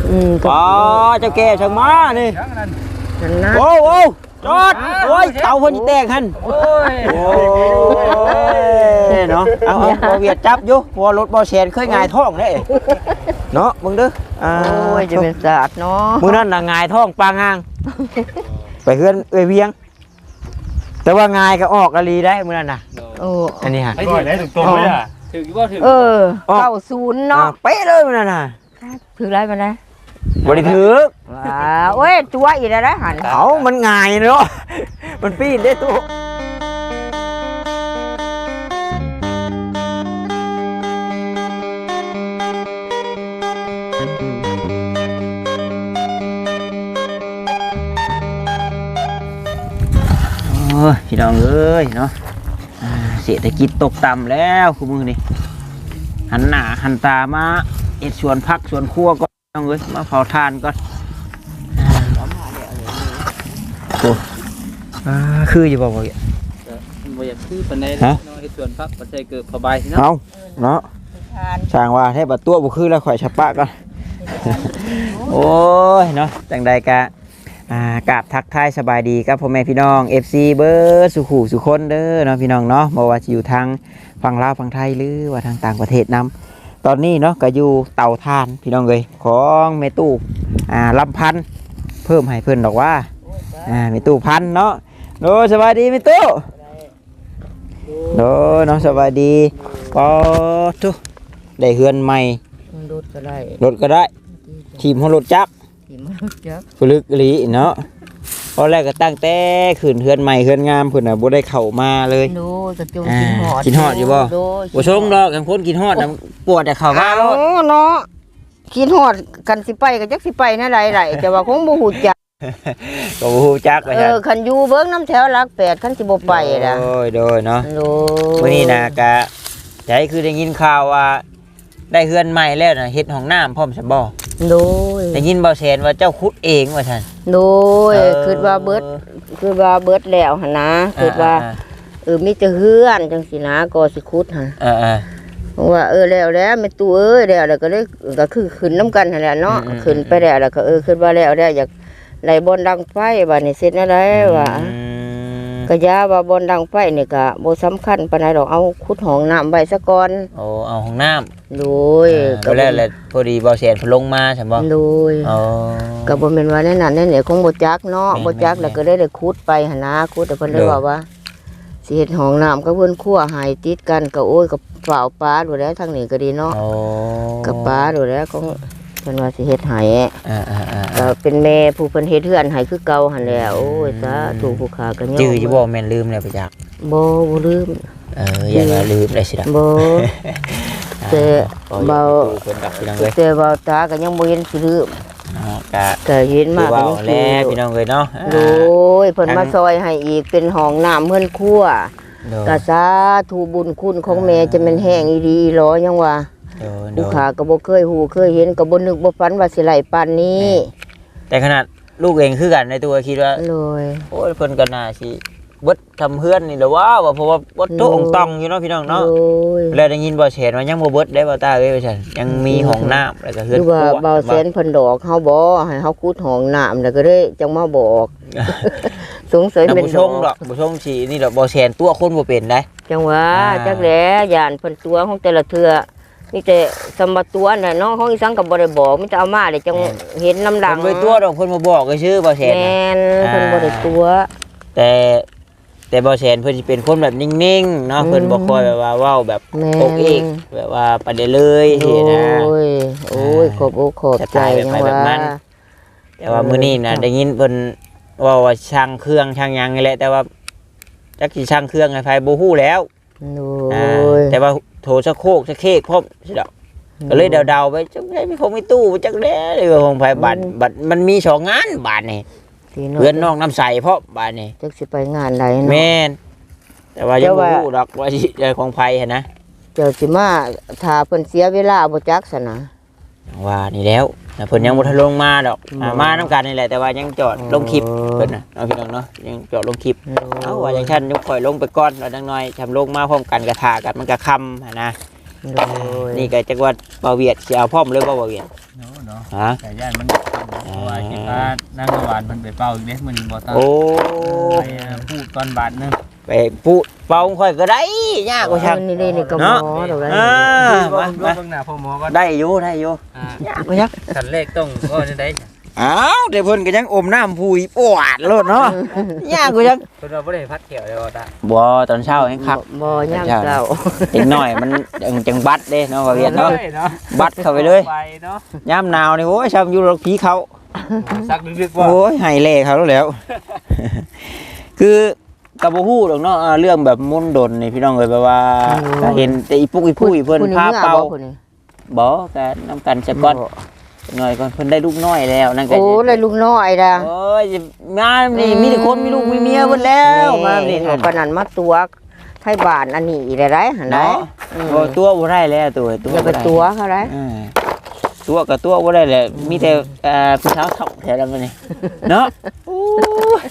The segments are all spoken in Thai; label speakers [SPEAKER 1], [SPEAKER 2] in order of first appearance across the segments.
[SPEAKER 1] อ๋อเจ้าแก่ช่างมานี่โอ้โหจอดโอ้ยเต่าเพิ่นแตกหั่นโอ้ยเนาะเอาบ่เวียดจับอยู่เพราะรถบ่แซนเคยหงายท้องเด้เนาะมึงเด้อโอ้
[SPEAKER 2] ยจะเป็นศาสตร์เนาะ
[SPEAKER 1] มื้อนั้นน่ะหงายท้องปางงางไปเฮือนเวียงแต่ว่าหงายก็ออกอะลีได้มื้อนั้นน่ะโอ้อันนี้ฮะ
[SPEAKER 3] ไอ้ที่ไหนตรงๆเลยอ่ะถึงบ่ถึง
[SPEAKER 2] 90เนาะ
[SPEAKER 1] เป๊ะเลยมื้อนั้นน่ะ
[SPEAKER 2] ถึงไรมาได้
[SPEAKER 1] บ่ได้ถึก
[SPEAKER 2] โอ้ยตัวอีกแล้วนะหัน
[SPEAKER 1] เอามันง่ายเนาะมันปีนได้ตัวโอ้ยพี่น้องเอ้ยเนาะเศรษฐกิจตกต่ำแล้วคุณมือนี่หันหน้าหันตามาเอ็ดสวนพักสวนครัวก็น้องเอ้ยมาเผาทานก่อนโอ้คืออยู่บ่บ่อย
[SPEAKER 3] ากคือปานใดเนาะเฮ็ดสวนพักบ่ใช่เกิดพอใบเนาะ
[SPEAKER 1] เอาเนาะช่างว่าแท้บัดตัวบ่คือแล้วข่อยฉะปะก่อนโอ้ยเนาะจังใดกะกราบทักทายสบายดีครับพ่อแม่พี่น้อง FC เบิร์ดสุขุสุคนเด้อเนาะพี่น้องเนาะบ่ว่าจะอยู่ทางฝั่งลาวฝั่งไทยหรือว่าทางต่างประเทศนำตอนนี้เนาะก็อยู่เตาถ่านพี่น้องเลยของแม่ตู้ลำพันธ์เพิ่มให้เพิ่นดอกว่าแม่ตู้พันเนาะโดสบายดีแม่ตู้โดเนาะสบายดีก็ทุได้เฮือนใหม่
[SPEAKER 2] รถ
[SPEAKER 1] ก็ได้ทีมของรถจักรผลึกหลีเนาะตอนแรกก็ตั้งแต่ขึ้นเฮือนใหม่เฮือนงามเพิ่นน่ะบ่ได้เข้ามาเลย
[SPEAKER 2] โดจะจงกิน
[SPEAKER 1] ฮอดอยู่บ่บ่ชงดอกกันคนกินฮอดน่ะปวดแต่เข้ามาเ
[SPEAKER 2] นาะกินฮอดกันสิไปก็จักสิไปแนวใดๆแต่ว่าคงบ่ฮู้จัก
[SPEAKER 1] ก็บ่ฮู้จักว่า
[SPEAKER 2] ซั่นคันอยู่เบิ่งน้ำแถวหลัก8คันสิบ่ไปล่ะ
[SPEAKER 1] โดยเนาะมื้อนี้น่ะก็ใจคือได้ยินข่าวว่าได้เฮือนใหม่แล้วน่ะเฮ็ดห้องน้ำพร้อมซะบ่
[SPEAKER 2] โดย
[SPEAKER 1] ได้ยินบ่แซนว่าเจ้าขุดเองว่าซั่น
[SPEAKER 2] โดยคิดว่าเบิดแล้วหั่นนะคิดว่ามีแต่เฮือนจังซี่นะก็สิขุดหั่นว่าแล้วแม่ตู้เอ้ยแล้วก็ได้ก็คือขึ้นน้ำกันหั่นแหละเนาะขึ้นไปแล้วก็คิดว่าแล้วอยากไหลบนดังไฟบัดนี้เสร็จแล้วว่าก็ยาว่าบนดังไฟนี่ก็บ่สำคัญปานใดดอกเอาขุดห้องน้ำไว้ซะก่อน
[SPEAKER 1] โอ้เอาห้องน้ำ
[SPEAKER 2] โดย
[SPEAKER 1] ก็แล้วพอดีบ่แซนลงมาใช่บ่
[SPEAKER 2] โดยก็บ่แม่นว่าในนั้นในนี่คงบ่จักเนาะบ่จักแล้วก็ได้ขุดไปหั่นนะขุดแต่เพิ่นได้ว่าสิเฮ็ดห้องน้ำกับเพิ่นครัวให้ติดกันก็โอ้ยก็ฝ่าวปลาดูแลทางนี้ก็ดีเนาะกับปลาดูแลของเพิ่นว่าสิเฮ็ดให้ก็เป็นแม่ผู้เพิ่นเฮ็ดเฮือนให้คือเก่าหั่นแหละโอ้ยสาธุผู้ค้าก็ยอม
[SPEAKER 1] จื้ออยู่บ่แม่นลืมแล้วไปจัก
[SPEAKER 2] บ่ลืม
[SPEAKER 1] อย่าว่าลืมได้สิล่ะ
[SPEAKER 2] บ่แต่เบาตาก็ยังบ่เห็นสิลืมก็เห็นมา
[SPEAKER 1] ก็แล้วพี่น้องเอ้ยเนาะ
[SPEAKER 2] โอ้ยเพิ่นมาซอยให้อีกเป็นห้องน้ำเฮือนครัวก็สาธุบุญคุณของแม่จะแม่นแห้งอีหลีอีหลอยังว่าลูกค้าก็บ่เคยฮู้เคยเห็นก็บ่นึกบ่ฝันว่าสิไหลปานนี้
[SPEAKER 1] แต่ขนาดลูกเองคือกันในตัวคิดว่า
[SPEAKER 2] เลย
[SPEAKER 1] โอ้ยเพิ่นก็น่าสิเบิดทำเฮือนนี่แหละว่าเพราะว่าบ่โตองตองอยู่เนาะพี่น้องเนาะแล้วได้ยินบ่แซนว่ายังบ่เบิดได้บ่ตาเอ้ยว่าซั่นยังมีห้องน้ำแล้วก็เฮือนครัว
[SPEAKER 2] ว่าบ่แซนเพิ่นดอกเฮาบ่ให้เฮาขุดห้องน้ำแล้วก็ได้จังมาบอกสงสัยเป็น
[SPEAKER 1] ดอกบ่ชงสินี่ดอกบ่แซนตัวคนบ่เป็นได้
[SPEAKER 2] จังว่าจักแลย่านเพิ่นตัวของแต่ละเทื่อมีแต่สมบัติตัวน่ะน้องของอีสังก็บ่ได้บอกมีแต่เอามาได้จังเห็นน้ำหลัง
[SPEAKER 1] เพิ่นบ่ตัวดอกเพิ่นบ่บอกก็ชื่อบ่แซน
[SPEAKER 2] แม่นเพิ่นบ่ได้ตัว
[SPEAKER 1] แต่บ่แซนเพิ่นสิเป็นคนแบบนิ่งๆเนาะเพิ่นบ่ค่อยแบบว่าเว้าแบบโอกเอกแบบว่าประเด็นเลยสินะ
[SPEAKER 2] โอ้ยขอบอกขอบใจจังว่า
[SPEAKER 1] แต่ว่ามื้อนี้น่ะได้ยินเพิ่นว่าช่างเครื่องช่างหยังนี่แหละแต่ว่าจักสิช่างเครื่องให้ไผบ่ฮู้แล้วแต่ว่าโถสะโคกสะเค้กพร้อมสิดอกก็เลยเดาๆไปจังได๋มีคงมีตู้จักแลเลยของไผบัดมันมี2งานบาดนี่เพื่อนน้องน้ำใสเพราะบาดนี้
[SPEAKER 2] จักสิไปงานใดเนาะ
[SPEAKER 1] แม่นแต่ว่ายังบ่รู้ดอกว่าสิของไผหั่นนะ
[SPEAKER 2] เจ้าสิมาถ้าเพิ่นเสียเวลาบ่จักซะนะ
[SPEAKER 1] ว่านี่แล้วเพิ่นยังบ่ทันลงมาดอกมานำกันนี่แหละแต่ว่ายังจอดลงคลิปเพิ่นน่ะเอาพี่น้องเนาะยังจอดลงคลิปเอาว่าจังซั่นยกข่อยลงไปก่อนแล้วจังน้อยทำลงมาพร้อมกันกระทากันมันก็ค่ำหั่นนะ
[SPEAKER 2] โดย
[SPEAKER 1] นี่ก็จักว่าเบาเวียดสิเอาพร้อมเลยบ่เบาเวียด
[SPEAKER 3] เนาะ
[SPEAKER 1] ฮะ
[SPEAKER 3] แต่ย่านมันเพราะว่าคิดว่านั่งหวานมันไปเป่าอีกเด้มื้อนี้บ่ต้อง
[SPEAKER 1] โอ้
[SPEAKER 3] ไปพูดตอนบาทนึง
[SPEAKER 1] ไปปุเป่าค่อยก็ได้ยากกว่าชัก
[SPEAKER 2] นี่ก็หมอดอกได้
[SPEAKER 1] อ่า
[SPEAKER 3] มา
[SPEAKER 1] มา
[SPEAKER 3] เบิ่งหน้าพ่อหมอก่อน
[SPEAKER 1] ได้อยู่ยากกว่าชัก
[SPEAKER 3] ขั้นแรกต้องก็จะได้
[SPEAKER 1] อ้าวแต่เพิ่นก็ยังอมน้ำผู้อีปวดโลดเนาะยากกว่าชัก
[SPEAKER 3] เพิ่นว่าบ่ได้พัดเขียวเลยว่าตา
[SPEAKER 1] บ่ตอนเช้าเองครับ
[SPEAKER 2] บ่ย่างเก่า
[SPEAKER 1] เด็กน้อยมันจังบัดเด้เนาะเบาเวียดเนาะ
[SPEAKER 3] เนาะ
[SPEAKER 1] บัดเข้าไปเลย
[SPEAKER 3] ไปเนาะ
[SPEAKER 1] ยามหนาวนี่โอ้ยช้ำอยู่รถผีเขา
[SPEAKER 3] ซักดึกๆว่า
[SPEAKER 1] โอ้ยไห้เล่เขาแล้ว คือกับบ่ฮู้ดอกเนาะเรื่องแบบมนต์ดนนี่พี่น้องเอ้ยแบบว่าก็เห็นแต่อีปุกอีผู้อีเพิ่นพาเป่าบ่ก็นำกันซะก่อนหน่อยก่อนเพิ่นได้ลูกน้อยแล้วนั่นก็
[SPEAKER 2] โอ้เลยลูกน้อยดา
[SPEAKER 1] โอ้ยงานนี่มีแต่คนมีลูกมีเมียเบิดแล้วมานี่
[SPEAKER 2] นี่ปานนั้นมาตัวไทยบ้านอันนี้ได้ไรหั่นได้
[SPEAKER 1] เนาะโอ้ตัวบ่ได้แล้วตัว
[SPEAKER 2] อย่าไปตัวเขาได้
[SPEAKER 1] ตัวกับตัวบ่ได้แหละมีแต่ผู้สาวเฒ่าแถวนั้นนี่เนาะโอ้ย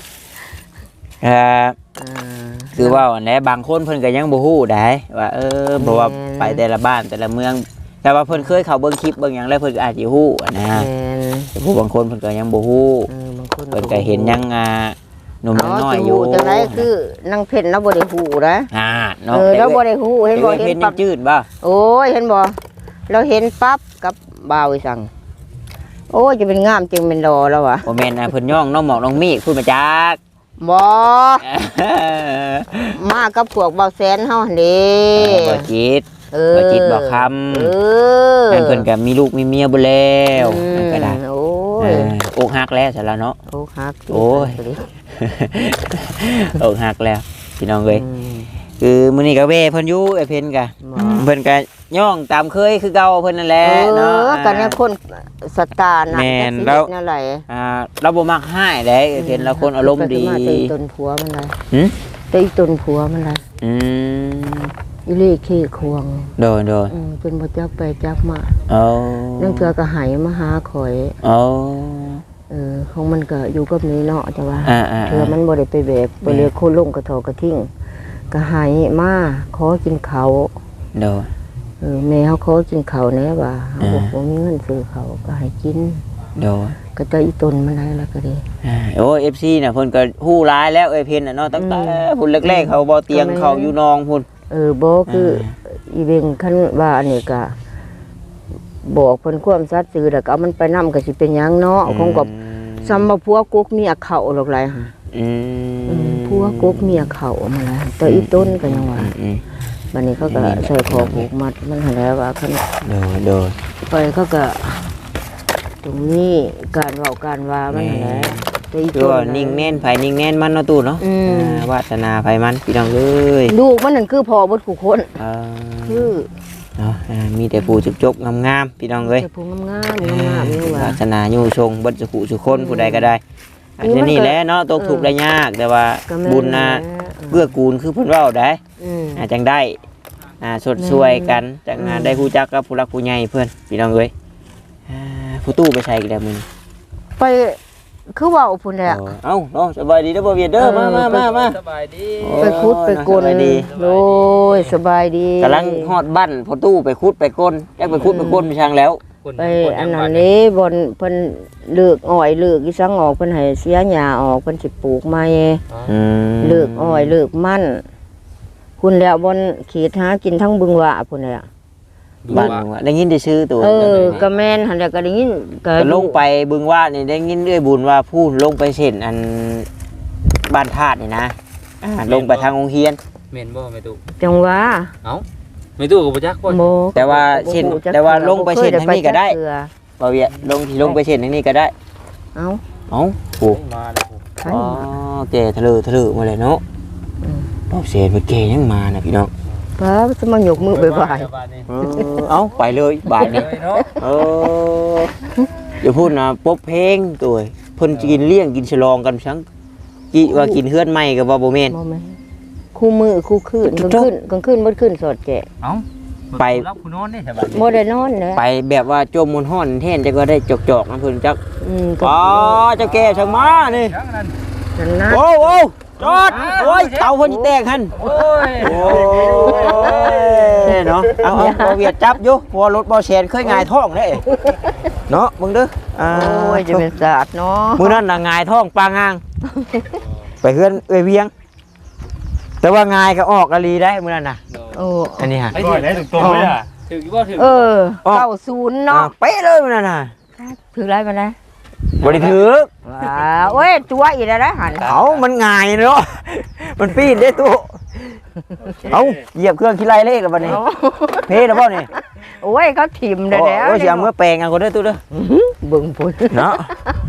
[SPEAKER 1] คือว่าอันนี้บางคนเพิ่นก็ยังบ่ฮู้ได้ว่าเพราะว่าไปแต่ละบ้านแต่ละเมือง แต่ว่าเพิ่นเคยเข้าเบิ่งคลิปเบิ่งหยังแล้วเพิ่นก็อาจสิฮู้นะแต่ผู้บางคนเพิ่นก็ยังบ่ฮู้เพิ่นก็เห็นยังหนุ่มน้อยอยู่
[SPEAKER 2] จังได๋คือนางเพ็ญเราบ่ได้ฮู้นะ
[SPEAKER 1] เนาะ
[SPEAKER 2] เราบ่ได้ฮู้เห็นบ่เห็นปั๊บ
[SPEAKER 1] จืดบ่
[SPEAKER 2] โอ้ยเห็นบ่เราเห็นปั๊บกับบ่าวอีสังโอ้ยจะเป็นงามจึงเป็นรอแล้ววะ
[SPEAKER 1] บ่แม่นเพิ่นย่องน้องหมอกน้องมีพูดมาจัก
[SPEAKER 2] บ่มากับพวกเบาแสนเฮาหั่นเด้
[SPEAKER 1] บ่จิตบ่จิตบ่คำนั่นเพิ่นก็มีลูกมีเมียบ่แล้วนั่นก็ได้
[SPEAKER 2] โอ้ย
[SPEAKER 1] อกหักแล้วซะแล้วเนาะ
[SPEAKER 2] โอ้ฮัก
[SPEAKER 1] โอ้ย อกหักแล้วพี่น้องเอ้ยคือมื้อนี้ก็เว้เพิ่นอยู่ไอ้เพิ่นก็เพิ่นก็ย่องตามเคยคือเก่าเพิ่นนั่นแหละเนาะ
[SPEAKER 2] กันเนี่ยคนสตาร์น่ะ
[SPEAKER 1] แม่นแล้ว
[SPEAKER 2] นั่นแหละ
[SPEAKER 1] เราบ่มักให้เด้ไอ้เพิ่นเราคนอารมณ์ดี
[SPEAKER 2] ตีต้นผัวมันเลย
[SPEAKER 1] หึ
[SPEAKER 2] ตีต้นผัวมันเลย
[SPEAKER 1] อืม
[SPEAKER 2] อีเล่ขี้ควง
[SPEAKER 1] โดย
[SPEAKER 2] เป็นบ่จักไปจักมา
[SPEAKER 1] เอา
[SPEAKER 2] นั่นเถื่อก็หายมาหาข่อย
[SPEAKER 1] เอา
[SPEAKER 2] ของมันก็อยู่กับนี้เนาะจ้ะว่า
[SPEAKER 1] ๆ
[SPEAKER 2] เถื่อมันบ่ได้ไปแบกไปเรียกโคลงกระทอกระทิ้งก็หายมาขอกินข้าว
[SPEAKER 1] โดย
[SPEAKER 2] แม่เขาขอกินข้าวแน่ว่าเขาบอกว่ามีเงินซื้อข้าวก็ให้กิน
[SPEAKER 1] โดย
[SPEAKER 2] ก็จะอีต้นมันได้แล้วก็ดี
[SPEAKER 1] โอ้ FC น่ะเพิ่นก็ฮู้หลายแล้วไอ้เพิ่นน่ะเนาะตั้งแต่พุ่นแรกๆเขาบ่เตียงเขาอยู่นองพุ่น
[SPEAKER 2] บ่คืออีเวงคันว่าอันนี้ก็บอกเพิ่นความสัตย์ซื่อแล้วก็เอามันไปนำก็สิเป็นหยังเนาะของก็ซ้ำบ่ผัวกุกเมียเข้าหรอกหลายหั่น ผัวกุกเมียเข้ามาแล้วแต่อีต้นก็ยังว่าบัดนี้เขาก็ใส่คอผูกมัดมันหั่นแล้วว่าคัน
[SPEAKER 1] โดย
[SPEAKER 2] ไปเขาก็ตรงนี้การเว้าการว่ามันหั่นแหละแต่อี
[SPEAKER 1] คือ
[SPEAKER 2] ต้น
[SPEAKER 1] ว่านิ่งแน่นไผนิ่งแน่นมันเนาะตู่เนาะวาสนาไผมันพี่น้องเอ้ย
[SPEAKER 2] ลูกมันนั่นคือพ่อเบิดผู้คนคือ
[SPEAKER 1] เนาะมีแต่ผู้จุกๆงามๆพี่น้องเอ้ย
[SPEAKER 2] แต่ผู้งามๆนี่ว่า
[SPEAKER 1] วาสนาอยู่ชงเบิดสุขุสุคนผู้ใดก็ได้อันนี้แหละเนาะตกทุกข์ได้ยากแต่ว่าบุญน่ะเกื้อกูลคือเพิ่นเว้าได้จังได้สดช่วยกันจังงานได้ฮู้จักกับผู้รักผู้ใหญ่เพิ่นพี่น้องเอ้ยผู้ตู้ไปใส่กันแล้วมื้อนี้
[SPEAKER 2] ไปคือเว้าพุ่นแหละ
[SPEAKER 1] เอ้าเนาะสบายดีเด้อบ่เวียดเด้อมา
[SPEAKER 3] สบายดี
[SPEAKER 2] ไปคุดไปกลโอ้ยสบายดี
[SPEAKER 1] กำลังฮอดบ้านพอตู้ไปคุดไปกลจักไปคุดไปกลไปช่างแล้ว
[SPEAKER 2] ไปอันนั้นนี้บนเพิ่นเลือกอ้อยเลือกอีสังออกเพิ่นให้เสียหญ้าออกเพิ่นสิปลูกใหม่เลือกอ้อยเลือกมันคุณแล้วบนขีดหากินทั้งบึงหว่าพุ่นแหละ
[SPEAKER 1] บ้านได้ยินได้ชื่อตัว
[SPEAKER 2] ก็แม่นหั่นแหละก็ได้ยินก็
[SPEAKER 1] ลงไปบึงว่านี่ได้ยินด้วยบุญว่าพูดลงไปเส้นอันบ้านธาตุนี่นะลงไปทางองค์เฮียน
[SPEAKER 3] เมนบ่ไม่ตุ
[SPEAKER 2] จังว่า
[SPEAKER 3] เอ้าไม่ตุกับบ่จักบ่
[SPEAKER 2] โม
[SPEAKER 1] แต่ว่าเส้นแต่ว่าลงไปเส้นทางนี้ก็ได้บ่เวียลงที่ลงไปเส้นทางนี้ก็ได้
[SPEAKER 2] เอ้า
[SPEAKER 1] โอ้
[SPEAKER 3] มาแล้ว
[SPEAKER 2] ใคร
[SPEAKER 1] อ๋อแก่ทะเลมาเลยเนาะรอบเส้นมันแก่ยังมานะพี่น้อง
[SPEAKER 2] ป้าจะมายกมือบ่าย
[SPEAKER 1] เอ้าไปเลยบาทนี้
[SPEAKER 3] เนาะ
[SPEAKER 1] อย่าพูดนะป๊บเพลงตัวเพิ่นกินเลี้ยงกินฉลองกันชังกิว่ากินเฮือนใหม่กับว่าบ่แม่น
[SPEAKER 2] บ่แม่นคู่มือคู่คืนกลางคืนบ่คืนสอดแกะ
[SPEAKER 3] เอ้ารับผู้นอนนี่สบาย
[SPEAKER 2] บ่ได้นอนเด้
[SPEAKER 1] ไปแบบว่าจมมนห้อนแท่นจะก็ได้จอกๆนะเพิ่นจัก
[SPEAKER 2] ก็
[SPEAKER 1] อ๋อเจ้าแก่ช่างมานี่
[SPEAKER 3] จังนั้น
[SPEAKER 2] นั่นนะ
[SPEAKER 1] โอ้จอดโอ้ยเตาเพิ่นสิแตกหั่น
[SPEAKER 3] โอ้ย
[SPEAKER 1] โอ้ยเนาะเอาบ่เวียดจับอยู่เพราะว่ารถบ่แซนเคยหงายท้องเด้เนาะมึงเด้อ
[SPEAKER 2] โอ้ยจะเป็นศาสตร์เนาะ
[SPEAKER 1] มื้อนั้นน่ะหงายท้องปางงางไปเฮือนเอ้ยเวียง แต่ว่าหงายก็ออกอลีได้มื้อนั้นน่ะ
[SPEAKER 2] โอ้
[SPEAKER 1] อันนี้ฮะ
[SPEAKER 3] ไอ้ที่ได้ตรงๆเลยอ่ะถึงบ่ถึง
[SPEAKER 2] 90เนาะ
[SPEAKER 1] เป๊ะเลยมื้อนั้นน่ะ
[SPEAKER 2] ถือไรมาได้
[SPEAKER 1] บ่ได้ถือ
[SPEAKER 2] ว้าโอ้ยตัวอีกแล้วนะหัน
[SPEAKER 1] เอามันหงายเนาะมันปีนได้ตู้เอาเหยียบเครื่องคิดไรเลขแล้วบัดนี้เพแล้วบ่นี่
[SPEAKER 2] โอ้ยเขาถิ่มได้แล้ว
[SPEAKER 1] โอ้ยสิเอามื่อแปลงเอาคนเด้อตู้เด้อ
[SPEAKER 2] เบิ่งพุ่น
[SPEAKER 1] เนาะ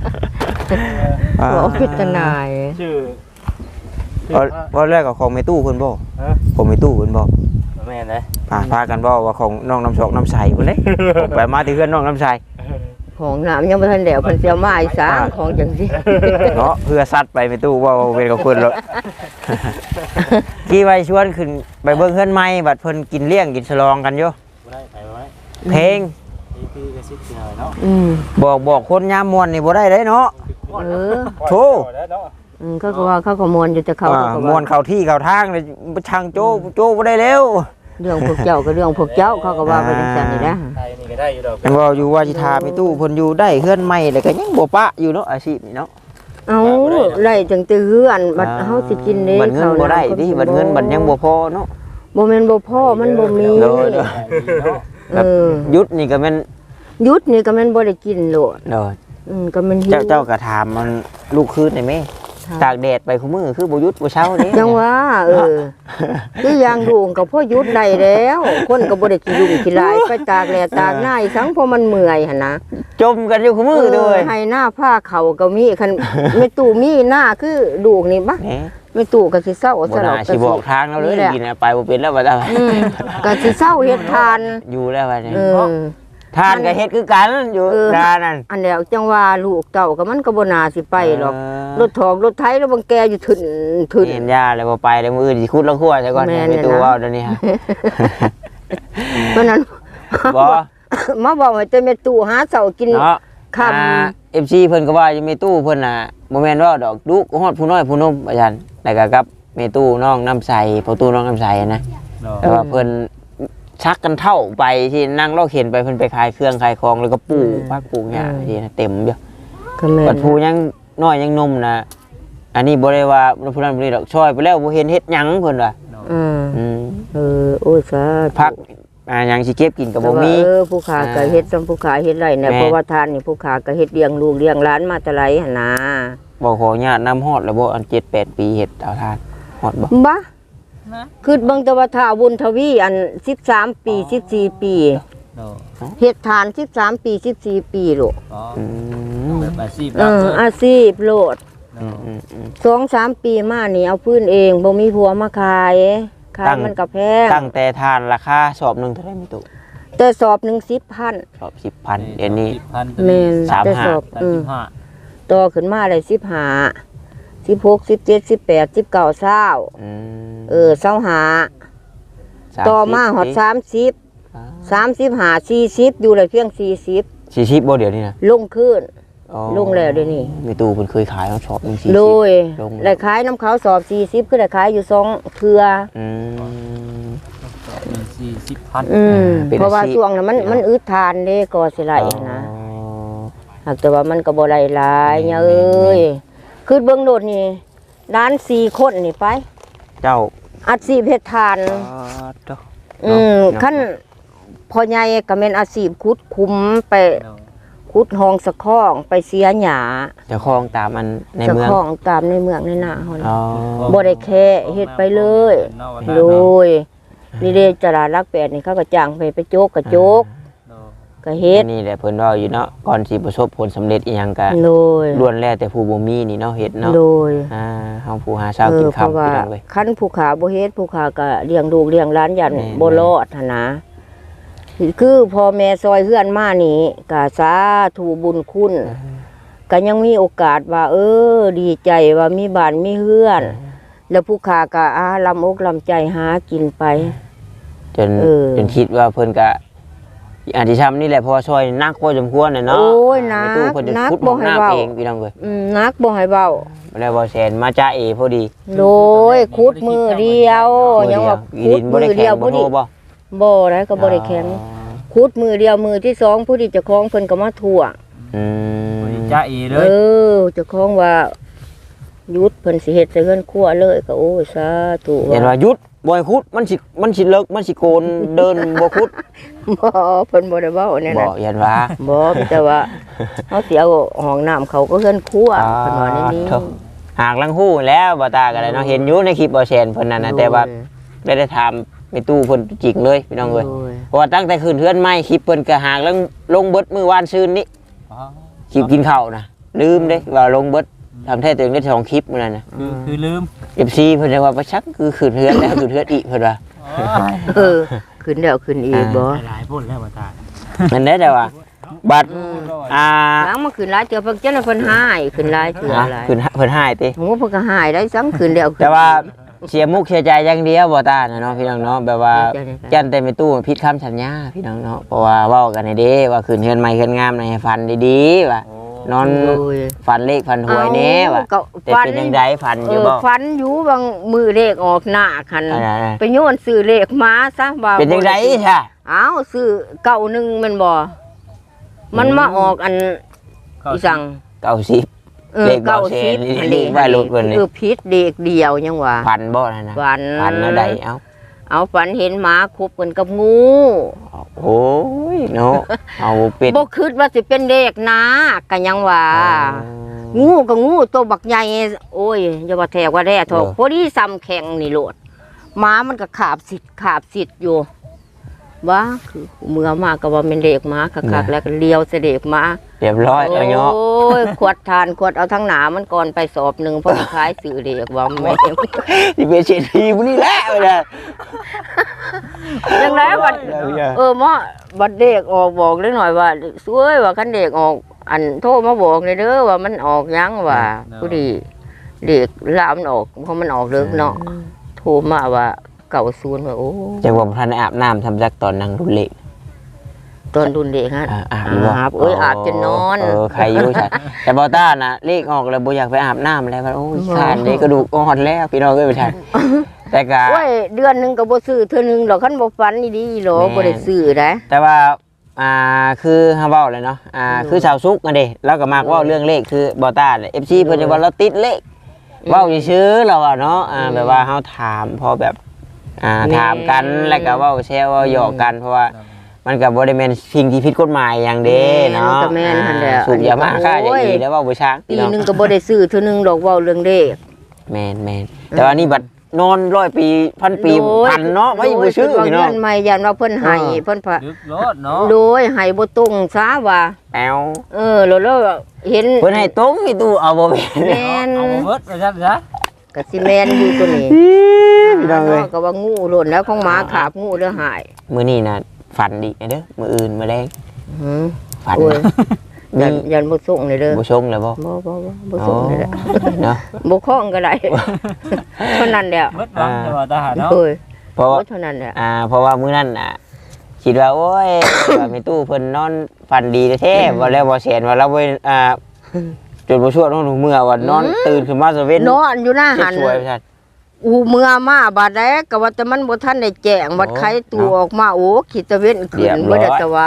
[SPEAKER 2] หัวพิจารณา
[SPEAKER 3] ชื่อ
[SPEAKER 1] ว่าแรกกับของในตู้เพิ่นบ่
[SPEAKER 3] ฮะ
[SPEAKER 1] ผมในตู้เพิ่นบ่
[SPEAKER 3] แม่นเลย
[SPEAKER 1] พากันบ่ว่าของน้องน้ำชอกน้ำใสเพิ่นเด้ผมไปมาที่เพื่อนน้องน้ำใส
[SPEAKER 2] ของน้ำยังบ่ทันแล้วเพิ่นสิเอามาอีสานของจังซี่
[SPEAKER 1] เนาะเพื่อซัดไปในตู้ว่าเป็นกับเพิ่นแล้วกี่ไว้ชวนขึ้นไปเบิ่งเฮือนใหม่บัดเพิ่นกินเลี้ยงกินฉลองกันอยู่
[SPEAKER 3] บ่ได้ไปบ่ได้
[SPEAKER 1] เพลง
[SPEAKER 3] พี่ก็สิหน่อยเนาะ
[SPEAKER 1] บอกคนยามม่วนนี่บ่ได้เด้เนาะ
[SPEAKER 2] เออ
[SPEAKER 1] โธ่
[SPEAKER 2] เขาก็ว่าเขาก็มวนอยู่แต่เขาก็
[SPEAKER 1] ม่วนเข้าที่เข้าทางเลยช่างโจ้บ่ได้แล้ว
[SPEAKER 2] เรื่องพวกเจ้าก็เรื่องพวกเจ้าเขาก็ว่าไปจังซั่นนี่นะ
[SPEAKER 3] ไทยนี่ก็ได้อยู่ดอก
[SPEAKER 1] ยังว่าอยู่ว่าสิทามีตู้เพิ่นอยู่ได้เฮือนใหม่แล้วก็ยังบ่ปะอยู่เนาะอาชีพนี่เนาะ
[SPEAKER 2] เอาไล่จังแต่เฮือนบัดเฮาสิกินเด้
[SPEAKER 1] บัดเงินบ่ได้ดิบัดเงินบัดยังบ่พอเนาะ
[SPEAKER 2] บ่แม่นบ่พอมันบ่มี
[SPEAKER 1] เด้อ
[SPEAKER 2] เออ
[SPEAKER 1] ยุดนี่ก็แม่น
[SPEAKER 2] หยุดนี่ก็แม่นบ่ได้กินโลด
[SPEAKER 1] เด้อ
[SPEAKER 2] ก็มันหิว
[SPEAKER 1] เจ้าก็ถามมันลูกคืนได้แม่ตากแดดไปคุมื้อคือบ่หยุดบ่เช้าเด้
[SPEAKER 2] จังว่าคืออย่างดูงก็พอหยุดได้แล้ว คนก็บ่ได้ขี้ยุ่งขี้ลายไปตากแลตากหน้าอีสังเพราะมันเมื่อยหั่นนะ
[SPEAKER 1] จมกันอยู่คุมื้อเด้อ
[SPEAKER 2] ให้หน้าผ้าเขาก็มีคันไม่ตู้มีหน้าคือดูกนี่บ่
[SPEAKER 1] แหม
[SPEAKER 2] ไม่ตู้ก็สิเศร้า
[SPEAKER 1] บ่
[SPEAKER 2] ซะหร
[SPEAKER 1] น่า
[SPEAKER 2] อก
[SPEAKER 1] สิบอกทางเราเลยกินไปบ่เป็นแล้วบัดนี้
[SPEAKER 2] ก็สิเศร้าเฮ็ดทาน
[SPEAKER 1] อยู่แล้วบัดนี้
[SPEAKER 2] เออ
[SPEAKER 1] ทานก็เฮ็ดคือกันอยู่ดานั่น
[SPEAKER 2] อันแล้วจังว่าลูกเต้าก็มันก็บ่น่าสิไปหรอกรถถอกรถไถแล้วบางแกอยู่ถึน
[SPEAKER 1] เห็นยาเลยบ่ไปเลยมื้ออื่นสิขุดละครัวซะก่อน
[SPEAKER 2] แม่น
[SPEAKER 1] มี
[SPEAKER 2] เนี่ย
[SPEAKER 1] ตู้
[SPEAKER 2] นะ
[SPEAKER 1] เว้าเดี๋ยวนี้ฮะ
[SPEAKER 2] เพราะนั้น
[SPEAKER 1] บ่
[SPEAKER 2] มาบอกว่าจะแม่ตู้หาเสากิน
[SPEAKER 1] เนาะ
[SPEAKER 2] ค่ำ
[SPEAKER 1] FC เพิ่นก็ว่าอยู่มีตู้เพิ่นน่ะบ่แม่นว่าดอกดุฮอดผู้น้อยผู้นมอาจารย์แล้วก็กับมีตู้น้องน้ำใสพอตู้น้องน้ำใสนะแต่ว่าเพิ่นชักกันเท่าไปที่นั่งรอเข็นไปเพิ่นไปขายเครื่องขายของแล้วก็ปลูกพักปลูกหญ้าที่นะเต็มอยู่
[SPEAKER 2] ก็แม่
[SPEAKER 1] บัดผู้ยังน้อยยังหนมนะอันนี้บ่ได้ว่าผู้นั้นบ่ได้ดอกช่อยไปแล้วบ่เห็นเฮ็ดหยังเพิ่นว่า
[SPEAKER 2] อืม
[SPEAKER 1] อืม
[SPEAKER 2] โอ้ยสาธุ
[SPEAKER 1] พักหยังสิเก็บกินก็บ่มี
[SPEAKER 2] ผู้ขาก็เฮ็ดซ้ำผู้ขาเฮ็ดไรเนี่ย
[SPEAKER 1] แม่
[SPEAKER 2] เพราะว่าทานนี่ผู้ขาก็เฮ็ดเลี้ยงลูกเลี้ยงหลานมาแต่ไรหั่นนะ
[SPEAKER 1] บ่ขออนุญาตนำฮอดแล้วบ่อัน7-8 ปีเฮ็ดเอาทานฮอดบ่
[SPEAKER 2] บ้าคือเบิ่งแต่ว่าถ้าบุญทวีอัน13ปี14ปีเฮ็ดทาน13ปี14ปีลูก
[SPEAKER 1] อืม
[SPEAKER 3] แบบอาชีพ
[SPEAKER 2] อาชีพโลด
[SPEAKER 1] อืม
[SPEAKER 2] 2-3 ปีมานี่เอาพื้นเองบ่มีผัวมาขายมันก็แพง
[SPEAKER 1] ตั้งแต่ทานราคาสอบหนึงเท่าไหร่มีตู้
[SPEAKER 2] แต่สอบหนึง10,000
[SPEAKER 1] สอบ 10,000เดี๋ยวนี้
[SPEAKER 2] แม่น
[SPEAKER 1] 35
[SPEAKER 2] แต่สอบ
[SPEAKER 3] 35
[SPEAKER 2] ต่อขึ้นมาเลย15 16 17 18 19 20
[SPEAKER 1] อืม
[SPEAKER 2] 25ต่อมาฮอด30 35 40อยู่เลยเพียง40
[SPEAKER 1] 40บ่เดี๋ยวนี้นะ
[SPEAKER 2] ลงขึ้น
[SPEAKER 1] อ๋อ
[SPEAKER 2] ลงแล้วเดี๋ยวนี้
[SPEAKER 1] มีตู้เพิ่นเคยขายเอาสอบหนึง40
[SPEAKER 2] โดย
[SPEAKER 1] ลง
[SPEAKER 2] ได้ขายน้ำเขาสอบ40คือได้ขายอยู่2เทื่อ
[SPEAKER 1] อืม
[SPEAKER 3] 40,000
[SPEAKER 1] เป็น
[SPEAKER 2] เพราะว่า
[SPEAKER 1] อาชีพ
[SPEAKER 2] ช่วงนั้นมันอึดทานเด้ก็สิไหลนะ หากแต่ว่ามันก็บ่ได้หลายเนี่ยเอ้ยคือเบิ่งโดดนี่ร้าน4คนนี่ไป
[SPEAKER 1] เจ้า
[SPEAKER 2] อาชีพเฮ็ดทาน
[SPEAKER 1] เจ้า
[SPEAKER 2] ขั้นพ่อใหญ่ก็แม่นอาชีพขุดคุ้มไปขุดห้องสะข้องไปเสียหญ้า
[SPEAKER 1] เจ้าของตามอันใน
[SPEAKER 2] สะ
[SPEAKER 1] เมือง
[SPEAKER 2] ข้องตามในเมืองในหน้าเฮา
[SPEAKER 1] อ๋
[SPEAKER 2] นะ
[SPEAKER 1] อ
[SPEAKER 2] บ่ได้แค่เฮ็ดไปเลยโดยนี่เด้ตลาดรักแปดนี่เขาก็จ้างไปโจกก็โจกก็เฮ็ด
[SPEAKER 1] อันนี่แหละเพิ่นว่าอยู่เนาะก่อนสิประสบผลสำเร็จอีหยังก็
[SPEAKER 2] โดย
[SPEAKER 1] ล้วนแล้วแต่ผู้บ่มีนี่เนาะเฮ็ดเนาะ
[SPEAKER 2] โดย
[SPEAKER 1] เฮาผู้หาเช้ากิน
[SPEAKER 2] เพราะ
[SPEAKER 1] ค่ำ
[SPEAKER 2] ว่า
[SPEAKER 1] พี่น้องเว้ย
[SPEAKER 2] คันผู้ขาบ่เฮ็ดผู้ขาก็เลี้ยงลูกเลี้ยงหลานยัน
[SPEAKER 1] แม่น
[SPEAKER 2] บ่รอดหั่นนะคือพ่อแม่ซอยเฮือนมานี่ก็สาธุบุญคุณก็ยังมีโอกาสว่า ดีใจว่ามีบ้านมีเฮือน แล้วผู้ขาก็ลำอกลำใจหากินไป
[SPEAKER 1] จน
[SPEAKER 2] เออ
[SPEAKER 1] จนคิดว่าเพิ่นก็อันที่ทำนี่แหละเพราะว่าซอยนักพอสมควรน่ะเนาะ
[SPEAKER 2] โอ้ยนัก
[SPEAKER 1] ในตู้เพิ่นจะ
[SPEAKER 2] นัก
[SPEAKER 1] ขุด
[SPEAKER 2] บ่
[SPEAKER 1] ห้อง
[SPEAKER 2] ให้
[SPEAKER 1] น้ำ
[SPEAKER 2] เว้า
[SPEAKER 1] เองพี่น้องเอ้ย
[SPEAKER 2] นักบ่ให้เว้า
[SPEAKER 1] แล้วบ่แซนมาจ้าเอพอดี
[SPEAKER 2] โดยคุดมือเดียวยังว่า
[SPEAKER 1] อี
[SPEAKER 2] คุ
[SPEAKER 1] ดิ
[SPEAKER 2] ด
[SPEAKER 1] นบ่
[SPEAKER 2] มื
[SPEAKER 1] ได้
[SPEAKER 2] อ
[SPEAKER 1] แข็
[SPEAKER 2] เดียว
[SPEAKER 1] งบ่
[SPEAKER 2] บ่
[SPEAKER 1] โท
[SPEAKER 2] ได้
[SPEAKER 1] บ่
[SPEAKER 2] บ่ได้ก็บ่ได้แข็งคุดมือเดียวมือที่สองผู้ที่เจ้าของเพิ่นก็มาทั่ว
[SPEAKER 1] อืม
[SPEAKER 3] จ้าเอเล
[SPEAKER 2] เอย อเจ้าของว่าหยุดเพิ่นสิเฮ็ดใส่เฮือนครัวเลยก็โอ้ยสาธุ
[SPEAKER 1] เห็นว่าหยุดบ่ให้ขุดมันสิเลิกมันสิโกนเดินบ่ขุด
[SPEAKER 2] บ่เพิ่นบ่ได้เว้าแน่
[SPEAKER 1] บ่
[SPEAKER 2] นั้น
[SPEAKER 1] เห็นว่า
[SPEAKER 2] บ่มีแต่ว่าเฮาสิเอาห้องน้ำเขาก็เฮือนครัวเพิ่นว่าในนี้
[SPEAKER 1] โถ่หากลังฮู้แล้วบ่ตาก็ได้เนาะเห็นอยู่ในคลิปบ่แซนเพิ่นนั่นน่ะแต่ว่าได้ถามไปตู้เพิ่นจริงเลยพี่น้องเอ้ย
[SPEAKER 2] โอ้ย
[SPEAKER 1] เพราะว่าตั้งแต่คืนเฮือนใหม่คลิปเพิ่นก็หากลังลงเบิดมื้อวานซืนนี้คลิปกินข้าวนะลืมเด้ว่าลงเบิดทำแท้ตัวเองได้2คลิปมื้อนั้นน่ะ
[SPEAKER 3] คือลืม
[SPEAKER 1] FC เพิ่นจะว่าประชักคือคืนเฮือนแล้วคืนเฮือนอีกเพิ่นว่า
[SPEAKER 2] เออขึ้นแล้วขึ้นอีกบ่
[SPEAKER 3] หลายพุ่นแล้วบ่ตา
[SPEAKER 1] นั่นได้แต่ว่าบัตร
[SPEAKER 2] หลังมาขึ้นหลายเทื่อเพิ่นจังได๋เพิ่นหายขึ้นหลายเทื่อหลาย
[SPEAKER 1] คืนเพิ่นหายติ
[SPEAKER 2] โหเพิ่นก็หายได้ซ้ํขึ้นแล้วขึ้น
[SPEAKER 1] แต่ว่าเสียมุกเสียใจอย่างเดียวบ่ตานะเนาะพี่น้องเนาะแบบว่า
[SPEAKER 2] เสียใจในใจ
[SPEAKER 1] ยันแต่ไม่ตู้ผิดคำสัญญาพี่น้องเนาะเพราะว่าเว้ากันให้เด้ว่าคืนเฮือนใหม่เฮือนงามให้ฟันดีๆว่านอน
[SPEAKER 2] โอ้ย
[SPEAKER 1] ฟันเลขฟันหวยแน่ว่ะ
[SPEAKER 2] ก็
[SPEAKER 1] แต่
[SPEAKER 2] ฟัน
[SPEAKER 1] เป็นจังไดฟันอยู่บ่
[SPEAKER 2] ฟันอยู่บางมือเลขออกหน้าคัน
[SPEAKER 1] อะไร
[SPEAKER 2] ไปโยนซื้อเลขมาซะว่า
[SPEAKER 1] เป็นจังไดค่ะ
[SPEAKER 2] อ้าวซื้อเก่าหนึงแมันบ่มันมาออกอันอีสัง
[SPEAKER 1] 90เลขเบาแสนนี่เลขว่ารถเพิ่นนี่
[SPEAKER 2] ผิดเด็กเดียวยังว่า
[SPEAKER 1] ฟันบ่นั่นน่ะ
[SPEAKER 2] ฟัน
[SPEAKER 1] ฟันแล้วใดเอ้า
[SPEAKER 2] เอาฝันเห็นหมาคุบกันกับงู
[SPEAKER 1] โอ้ยเนาะเอาเป็ด
[SPEAKER 2] บ่คิดว่าสิเป็นเลขนะก็ยังว่า งูก็งูตัวบักใหญ่โอ้ยอย่าว่าแทกว่าแร่ทอกพอดีซ้ำแข็งนี่โลดหมามันก็ขาบสิทธิ์อยู่ว่าคือเมื่อมาก็ว่าเป็นเด็กหมาคักๆแล้วก็เลี้ยวเสด็จมา
[SPEAKER 1] เรียบร้อยแล้วเนาะ
[SPEAKER 2] โอ้ยขวดทานขวดเอาทั้งหนามันก่อนไปสอบหนึ่งเพราะคล้ายสื่อเด็กว่าแม่
[SPEAKER 1] ที่เป็นเศรษฐีมื้อนี้แหละเด้อ
[SPEAKER 2] ยังไงบัดหมอบัดเด็กออกบอกเล็กหน่อยว่าสวยว่าคันเด็กออกอันโทรมาบอกเลยเด้อว่ามันออกยังว่าผู้ดีเด็กลามนออกเพราะมันออกเลิกเนาะโทรมาว่า90ว่าโอ้
[SPEAKER 1] จังว่าท่านอาบน้ำทำจักตอนนั่งรุ่นเล็ก
[SPEAKER 2] ตอนรุ่นเด็กฮะ
[SPEAKER 1] อาบอยู่บ่
[SPEAKER 2] อาบอาบจนนอน
[SPEAKER 1] ใครอยู่ใช่แต่บ่ต้าน่ะเลขออกแล้วบ่อยากไปอาบน้ำแล้วว่าโอ้ยขานนี่กระดูกอ่อนแล้วพี่น้องเอ้ยไปทันแต่ก็
[SPEAKER 2] โอ้ยเดือนหนึงก็บ่ซื้อเทื่อหนึงดอกคันบ่ฝันดีๆหรอบ่ได้ซื้อได้
[SPEAKER 1] แต่ว่าคือเฮาเว้าเลยเนาะคือสาวซุกอันเด้เราก็มักเว้าเรื่องเลขคือบ่ต้าเนี่ย FC เพิ่นจะว่าเราติดเลขเว้าซื่อๆเราอะเนาะแบบว่าเฮาถามพอแบบถามกันแล้วก็เว้าแซวเว้าหยอกกันเพราะว่ามันก็บ่ได้แม่นสิ่งที่ผิดกฎหมายอย่างเด้เนาะ
[SPEAKER 2] ก็แม่นหั่นแหละ
[SPEAKER 1] สูบยามาฆ่าอย่างนี้แล้วเว้าบ่ช้าง
[SPEAKER 2] ปีหนึงก็บ่ได้ซื้อเทื่อหนึงดอกเว้าเรื่องเด็ก
[SPEAKER 1] แม่นแต่ว่านี่บัดนอน100 ปีพันปีพันเนาะไม่บ่ชื่อพี่น้อง
[SPEAKER 2] ยันใหม่ยันว่าเพิ่นให้เพิ่นพะ
[SPEAKER 3] ลึกรถเนาะ
[SPEAKER 2] โดยให้บ่ตรงซะว่า
[SPEAKER 1] แอว
[SPEAKER 2] แล้วเห็น
[SPEAKER 1] เพิ่นให้ตรงอีตู้เอาบ่เป็น
[SPEAKER 2] แม่น
[SPEAKER 3] เอาเบิดไปซะซะ
[SPEAKER 2] ก็สิแม่นอยู่ตัวนี้
[SPEAKER 1] พี่น้องเอ้ย
[SPEAKER 2] ก็ว่างูหล่นแล้วของหมาขาบงูแล้วหาย
[SPEAKER 1] มื้อนี้น่ะฝันดีเด้อมื้ออื่นมื้อแลง
[SPEAKER 2] หือ
[SPEAKER 1] ฝัน
[SPEAKER 2] โอ้ย
[SPEAKER 1] มี
[SPEAKER 2] ยันบ่ส่งเลยเด้อ
[SPEAKER 1] บ่ชงแล้วบ่
[SPEAKER 2] บ่ส่งเลยแหละ
[SPEAKER 1] เนาะ
[SPEAKER 2] บ่คล้องก็ได้เท่านั้นแหละ
[SPEAKER 3] เบิดบังแต่ว่าทหารเนาะ
[SPEAKER 2] โอ้ย
[SPEAKER 1] เพราะว่า
[SPEAKER 2] เท่านั้นแหละ
[SPEAKER 1] เพราะว่ามื้อนั้นน่ะคิดว่าโอ้ย ว่าแม่ตู้เพิ่นนอนฝันดีแท้ๆว่าแล้วบ่แสนว่าเราบ่จนบ่ชั่วต้องเมื่อว่านอนตื่นขึ้นมาซะเว้น
[SPEAKER 2] นอนอยู่หน้าหัน
[SPEAKER 1] สวยๆซั่น
[SPEAKER 2] เมื่อมาบาดแดกก็ว่าแต่มันบ่ทันได้แจ้งบัดไขตัวออกมาโอ้ขีดตะเว้นขึ้นบ่ได้ตะวา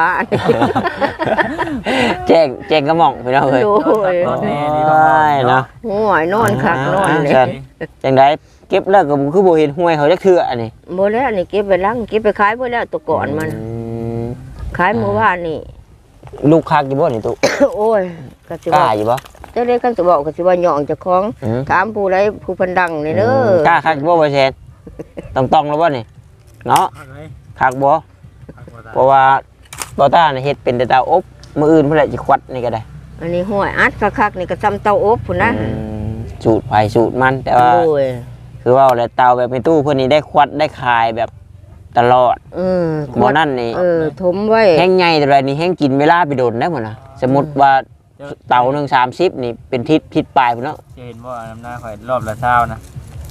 [SPEAKER 1] แจ้งกระหม่องพี่น้องเอ้ย
[SPEAKER 2] โอ้ย
[SPEAKER 3] แน่นี่
[SPEAKER 1] โอ้ยเนาะ
[SPEAKER 2] โอ้ยนอนคักนอนเลย
[SPEAKER 1] จังไดเก็บแล้วก็คือบ่เห็นห้วยเขาจักเทื่ออันนี้
[SPEAKER 2] บ่แล้วนี่เก็บไปลังเก็บไปขายบ่แล้วตัวก่อนมัน ขายเมื่อวานนี่
[SPEAKER 1] ลูกคักอยู่บ่นี่ตุ
[SPEAKER 2] โอ้ยก็สิ
[SPEAKER 1] กล้า
[SPEAKER 2] ว่า
[SPEAKER 1] อยู่บ่
[SPEAKER 2] จังได๋คันสิบอกก็สิว่าย่องเจ้าของ
[SPEAKER 1] อืม
[SPEAKER 2] ถามผู้ใดผู้เพิ่นดังนี่เด้อก
[SPEAKER 1] ล้าคักอยู่บ่บ่แซนต้องแล้วบ่นี่เนาะคักบ่เพราะว่าบ่ต้าน่ะเฮ็ดเป็นแต่เตาอบมื้ออื่นเพิ่นแหละสิควัดนี่ก็ได้
[SPEAKER 2] อันนี้ห้วยอัดคักๆนี่ก็ซ้ำเตาอบพุ่นนะ
[SPEAKER 1] สูตรไผสูตรมันแต่ว่า
[SPEAKER 2] โอ้ย
[SPEAKER 1] คือว่าแล้วเตาแบบในตู้เพิ่นนี่ได้ควัดได้คายแบบตลอดบ่นั่นนี่
[SPEAKER 2] ถมไว้
[SPEAKER 1] แห้งใหญ่แต่ไรนี่แห้งกินเวลาไปโดนได้หมดนะสมมติว่าเตาหนึ่ง30นี่เป็นทิศปลายพุ่นเนาะ
[SPEAKER 3] จะเห็นว่าน้ำหน้าข่อยรอบละเช้านะ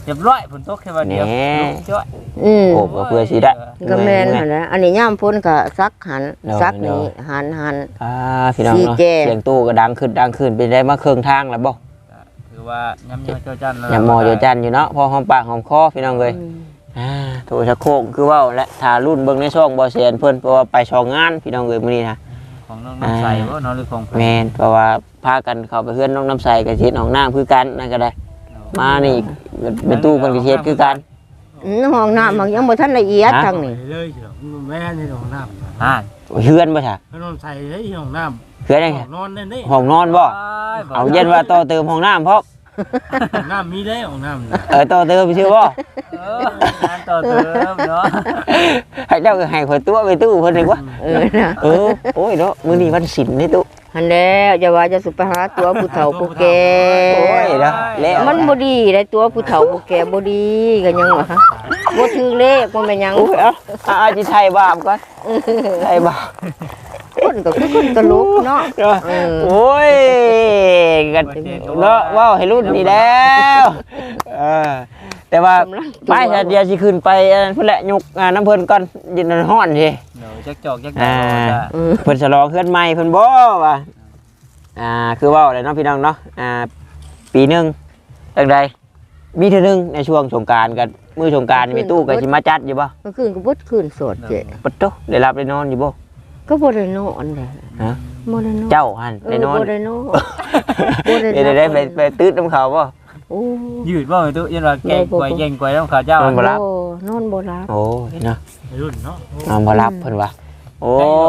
[SPEAKER 3] เรียบร้อยฝนตกแค่วันเดียวลงจ้อย
[SPEAKER 1] โอ้ก็เพื่อสิได้
[SPEAKER 2] ก็แม่นหั่นแหละอันนี้ย่ามพ้นก็ซักหันซักนี่หัน
[SPEAKER 1] พี่น้องเนาะเสียงตู้ก็ดังขึ้นเป็นได้มาเครื่องทางแล้วบ่
[SPEAKER 3] คือว่าย้ำเจ้าจัน
[SPEAKER 1] อย่ามอเจ้าจันอยู่เนาะพอหอมปากหอมคอพี่น้องเลยโทรชักโครกคือว่าและทารุ่นเบิ่งในช่องบ่แซนเพิ่นเพราะว่าไปช่องงานพี่น้องเลยมื้อนี้นะ
[SPEAKER 3] ของน้องน้ำใสบ่น้องหรือของ
[SPEAKER 1] แม่นเพราะว่าพากันเข้าไปเฮือนน้องน้ำใสกับเฮ็ดห้องน้ำคือกันนั่นก็ได้มานี่เป็นตู้เพิ่นก็เฮ็ดคือกัน
[SPEAKER 2] ห้องน้ำมันยังบ่ทันละเอียดทางนี้
[SPEAKER 4] เลยเฉยแม่ในห้องน้ำ
[SPEAKER 1] เฮือนบ่ค่ะ
[SPEAKER 4] นอนใส่ในห้องน้
[SPEAKER 1] เฮือน
[SPEAKER 4] ำ
[SPEAKER 1] ได้ไง
[SPEAKER 4] นอนได้นี่
[SPEAKER 1] ห้องนอนบ่เอาเย็นว่าต่อเติมห้องน้ำพร้อม
[SPEAKER 4] ห้องน้ำมีได้ห้องน้ำ
[SPEAKER 1] ต่อเติมชื่อบ่
[SPEAKER 3] งานต่อเติมเนาะ
[SPEAKER 1] ให้เจ้าก็ให้ข่อยตัวไปตู้เพิ่นดีกว่า
[SPEAKER 2] นะ
[SPEAKER 1] โอ้ยเนาะมื้อนี้วันศิลป์นี่ตู้
[SPEAKER 2] หันแล้วอย่าว่าจะสุไปหาตัวผู้เฒ่าผู้แก่
[SPEAKER 1] โอ้ยเนาะแล้ว
[SPEAKER 2] มันบ่ดีได้ตัวผู้เฒ่าผู้แก่บ่ดีก็ยังว่าบ่ถือเลขบ่แม่นหยัง
[SPEAKER 1] โอ้ยเอาสิไทยบาปก่อนไทยบาป
[SPEAKER 2] คนก็คือคนตลกเนาะ
[SPEAKER 1] โอ้ยกันเนาะว้าวให้รุ่นนี่แล้วแต่ว่าไปเดี๋ยวสิขึ้นไปพุ่นแหละยกน้ำเพิ่นก่อนยินฮ้อนสิ
[SPEAKER 3] เดี๋ยวจักจอกจักจอกจ้ะ
[SPEAKER 1] เพิ่นฉลองเฮือนใหม่เพิ่นบ่ว่าคือเว้าเลยเนาะพี่น้องเนาะปีนึงจังไดมีเทื่อนึงในช่วงสงกรานต์กันมื้อสงกรานต์มีตู้ก็สิมาจัดอยู่บ่
[SPEAKER 2] เมื่อคืนก็บ่คืนโสดเจ้
[SPEAKER 1] ปะโตได้รับได้นอนอยู่บ่
[SPEAKER 2] ก็บ่ได้นอนแหละ
[SPEAKER 1] ฮะ
[SPEAKER 2] บ่ได้นอน
[SPEAKER 1] เจ้าหั่นได้นอน
[SPEAKER 2] บ่ได้นอนบ่ได้
[SPEAKER 1] ได้ไปตื้ดน้ำเขาบ่
[SPEAKER 2] โอ้
[SPEAKER 3] ยืดบ่ไอ้ตู้ยันว่าแกงกวยต้องข้าวเจ้าน
[SPEAKER 1] อนบ่รับ
[SPEAKER 2] นอนบ่รับ
[SPEAKER 1] โอ้ยเนาะ
[SPEAKER 4] รุ่นเนาะ
[SPEAKER 1] นอนบ่รับเพิ่นว่าโอ้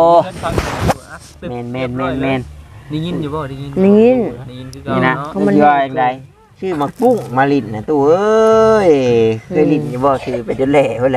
[SPEAKER 1] แม่น
[SPEAKER 3] ได้ยินอยู่บ่ได้ยิน
[SPEAKER 2] นี่
[SPEAKER 3] ได้ยินคือเก่า
[SPEAKER 1] นี่นะ
[SPEAKER 3] เนาะ
[SPEAKER 1] มันย่อยจังไดชื่อมากุ้งมาลิ้นนะตู้เอ้ยเคยลิ้นอยู่บ่ชื่อไปจนแหล่พุ่นแหละ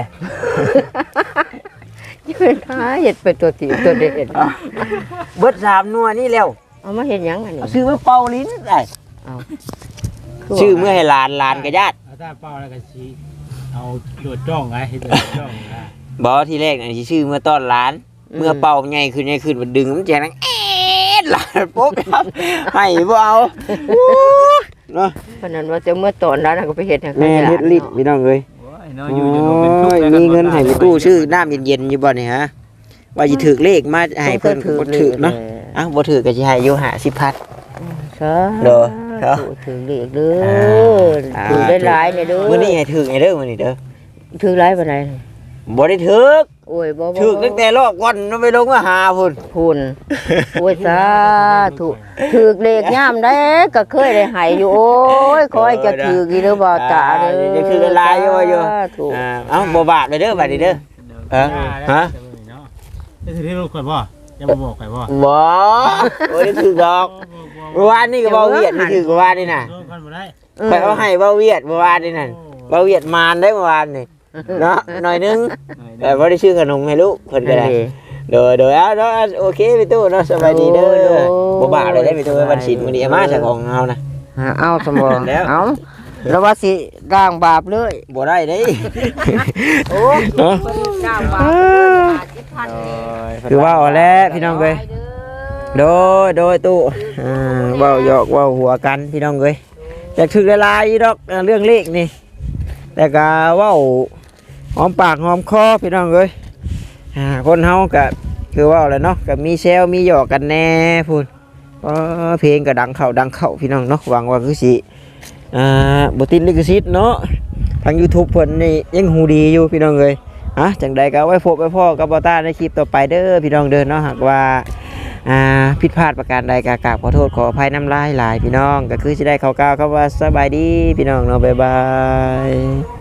[SPEAKER 2] ยืนหาเฮ็ดไปตัวตีตัวเด็ด
[SPEAKER 1] เบิด3นัวนี่แล้ว
[SPEAKER 2] เอามาเฮ็ดหยังอันนี้
[SPEAKER 1] เอาชื่อมาเป่าลิ้นได้ ชื่อเมื่อให้หลานกับญาติ
[SPEAKER 4] เอาตาเป้าแล้วก็ชี้เอาโดดจ้องไงให้โดดจ้องนะ
[SPEAKER 1] บ่ที่แรกน่ะสิชื่อเมื่อต้อนหลานเมื่อเป่าใหญ่ขึ้นมันดึงมันแจงเอ๊ะหลานปุ๊บครับให้บ่เอาเนาะ
[SPEAKER 2] เพราะนั้นว่าจะเมื่อตอนนั้นก็ไปเฮ็ดให้
[SPEAKER 1] แม่เฮ็ดลิ้นพี่น้องเอ้ย
[SPEAKER 3] โอ้ยเนาะอยู่เป็นทุกข์
[SPEAKER 1] มีเงินให้ไปตู้ชื่อน้ำเย็นๆอยู่บ่นี่ฮะว่าสิถือเลขมาให้เพิ่นบ่ถือเนาะอ้าวบ่ถือก็สิให้อยู่50,000
[SPEAKER 2] ใช่
[SPEAKER 1] เด้อ
[SPEAKER 2] ถือเลขเด้อถือได้หลายเนี่ยเด้อ
[SPEAKER 1] มื้อนี้ให้ถือให้เด้อมื้อนี้เด้อ
[SPEAKER 2] ถือหลายปานใด
[SPEAKER 1] บ่ได้ถือ
[SPEAKER 2] โอ้ยบ่
[SPEAKER 1] ถือตั้งแต่รอบก่อนมันไปลงมาหาพุ่น
[SPEAKER 2] พุ่นโอ้ยสาธุถือเลขยามได้ก็เคยได้ให้อยู่โอ้ยขอให้จะถืออีเด้อบ่ตาเด้อ
[SPEAKER 1] จะถือหลายอยู่
[SPEAKER 2] ถูก
[SPEAKER 1] เอ้าบ่บาปเลยเด้อบัดนี้เด้อฮะ
[SPEAKER 4] ได้ถือที่ลูกก่อนบ่ยังบ่บอกใครบ่
[SPEAKER 1] บ่บ่ได้ถือดอกเมื่อวานนี่ก็เว้าเวียดนี่ถือเมื่อวานนี่น่ะ
[SPEAKER 4] โดนกันบ่ได้
[SPEAKER 1] ไปเอาให้เว้าเวียดเมื่อวานนี่น่ะเว้าเวียดมารได้เมื่อวานนี่เนาะหน่อยนึงแต่บ่ได้ชื่อขนมให้ลูกเพิ่นก็ได้เด้อเอาเนาะโอเคพี่ตู้เนาะสบายดีเด้อบ่บาปเลยได้พี่ตู้วันศีลมื้อนี้มาจากของเฮานะ
[SPEAKER 2] เอาสมอง
[SPEAKER 1] แล้ว
[SPEAKER 2] เอาแล้วว่าสิร่างบาปเลย
[SPEAKER 1] บ่ได้เด้
[SPEAKER 2] โอ้ย
[SPEAKER 1] เนาะ
[SPEAKER 2] ร่างบาปเลย50,000
[SPEAKER 1] คือว่าเอาแล้วพี่น้องเอ้ยโดยตู้เว้าหยอกเว้าหัวกันพี่น้องเอ้ยอยากถึกหลายๆดอกเรื่องเลขนี่แต่ก็เว้าหอมปากหอมคอพี่น้องเอ้ยคนเฮาก็คือว่าอะไรเนาะก็มีแซวมีหยอกกันแน่พูดเพลงก็ดังเข้าพี่น้องเนาะหวังว่าคือสิบ่ติดลิขสิทธิ์เนาะทาง YouTube เพิ่นนี่ยังหูดีอยู่พี่น้องเอ้ยจังใดก็ไว้พบไว้พ่อกับบ่ต้าในคลิปต่อไปเด้อพี่น้องเด้อเนาะหากว่าผิดพลาดประการใดก็กราบขอโทษขออภัยน้ำลายหลายพี่น้องก็คือสิได้ข่าวๆครับว่าสบายดีพี่น้องเนาะบ๊ายบาย